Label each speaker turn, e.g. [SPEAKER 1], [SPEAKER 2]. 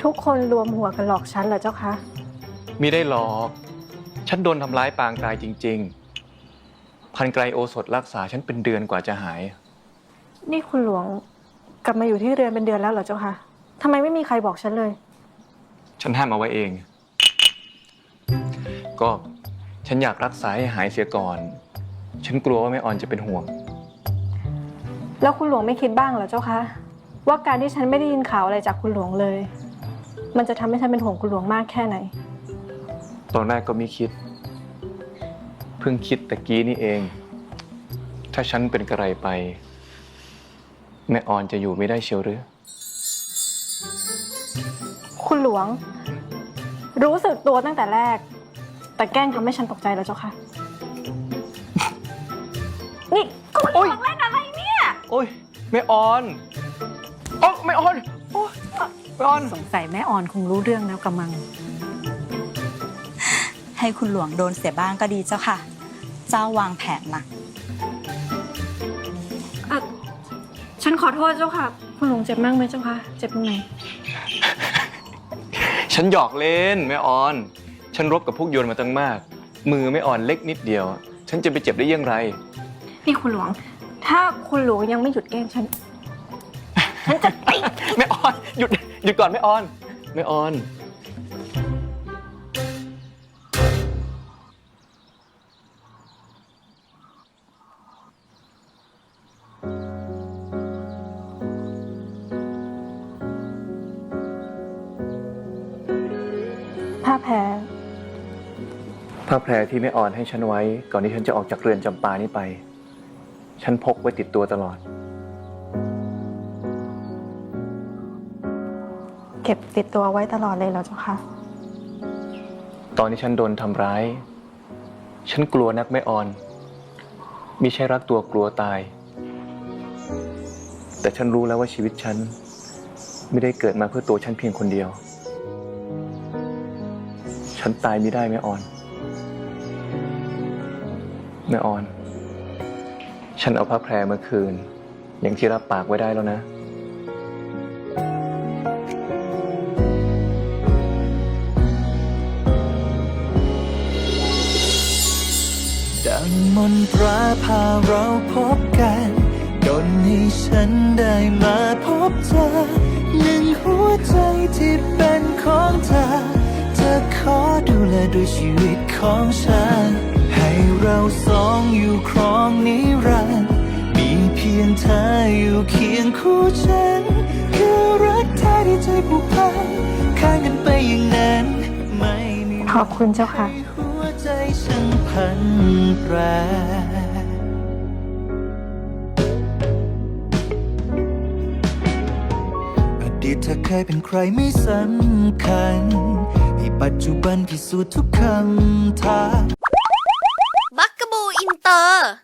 [SPEAKER 1] ทุกคนรวมหัวกันหลอกฉันเหรอเจ้าคะ
[SPEAKER 2] มิได้หลอกฉันโดนทำร้ายปางตายจริงๆพันไกรโอสถรักษาฉันเป็นเดือนกว่าจะหาย
[SPEAKER 1] นี่คุณหลวงกลับมาอยู่ที่เรือนเป็นเดือนแล้วเหรอเจ้าคะทำไมไม่มีใครบอกฉันเลย
[SPEAKER 2] ฉันห้ามเอาไว้เองก็ฉันอยากรักษาให้หายเสียก่อนฉันกลัวว่าแม่ออนจะเป็นห่วง
[SPEAKER 1] แล้วคุณหลวงไม่คิดบ้างเหรอเจ้าคะว่าการที่ฉันไม่ได้ยินข่าวอะไรจากคุณหลวงเลยมันจะทำให้ฉันเป็นห่วงคุณหลวงมากแค่ไหน
[SPEAKER 2] ตอนแรกก็ไม่คิดเพิ่งคิดตะกี้นี่เองถ้าฉันเป็นกระไรไปแม่ออนจะอยู่ไม่ได้เชียวหรือ
[SPEAKER 1] คุณหลวงรู้สึกตัวตั้งแต่แรกแต่แกล้งทำให้ฉันตกใจแล้วเจ้าค่ะนี่คุณหลวงเล่นอะไรเนี่ย
[SPEAKER 2] โอ้ยแม่ออนโอ้แม่ออนโอ้แม่ออน
[SPEAKER 1] สงสัยแม่ออนคงรู้เรื่องแล้วกระมัง
[SPEAKER 3] ให้คุณหลวงโดนเสียบ้างก็ดีเจ้าค่ะเจ้าวางแผนนะ
[SPEAKER 1] ฉันขอโทษเจ้าค่ะคุณหลวงเจ็บมากไหมเจ้าค่ะเจ็บตรงไหน
[SPEAKER 2] ฉันหยอกเล่นแม่ออนฉันรบกับพวกโยนมาตั้งมากมือแม่ออนเล็กนิดเดียวฉันจะไปเจ็บได้ยังไง
[SPEAKER 1] นี่คุณหลวงถ้าคุณหลวงยังไม่หยุดแกล้งฉันจะตี
[SPEAKER 2] แม่ออนหยุดก่อนแม่ออนแม่ออน
[SPEAKER 1] ผ้าแพร
[SPEAKER 2] ที่แม่ออนให้ฉันไว้ก่อนที่ฉันจะออกจากเรือนจำปานี้ไปฉันพกไว้ติดตัวตลอด
[SPEAKER 1] เก็บติดตัวไว้ตลอดเลยเหรอเจ้าคะ
[SPEAKER 2] ตอนที่ฉันโดนทำร้ายฉันกลัวนักแม่ออนมิใช่รักตัวกลัวตายแต่ฉันรู้แล้วว่าชีวิตฉันไม่ได้เกิดมาเพื่อตัวฉันเพียงคนเดียวฉันตายไม่ได้แม่ออนแม่ออนฉันเอาผ้าแพรมาคืนอย่างที่รับปากไว้ได้แล้วนะ
[SPEAKER 4] ดังมนตราพาเราพบกันดลให้ฉันได้มาพบเธอหนึ่งหัวใจที่เป็นของเธอจะขอดูแลด้วยชีวิตของฉันให้เราสองอยู่ครองนิรันดร์มีเพียงเธออยู่เคียงคู่ฉันคือรักแท้ที่ใจผูกพันข้างกันไปอย่างนั้นไม่มี
[SPEAKER 1] ขอบคุณเจ้าค่ะ
[SPEAKER 4] หัวใจฉันพันแปรอดีตเธอเคยเป็นใครไม่สำคัญให้ปัจจุบันพิสูจน์ทุกคำถาม
[SPEAKER 5] บักกะบูอินเตอร์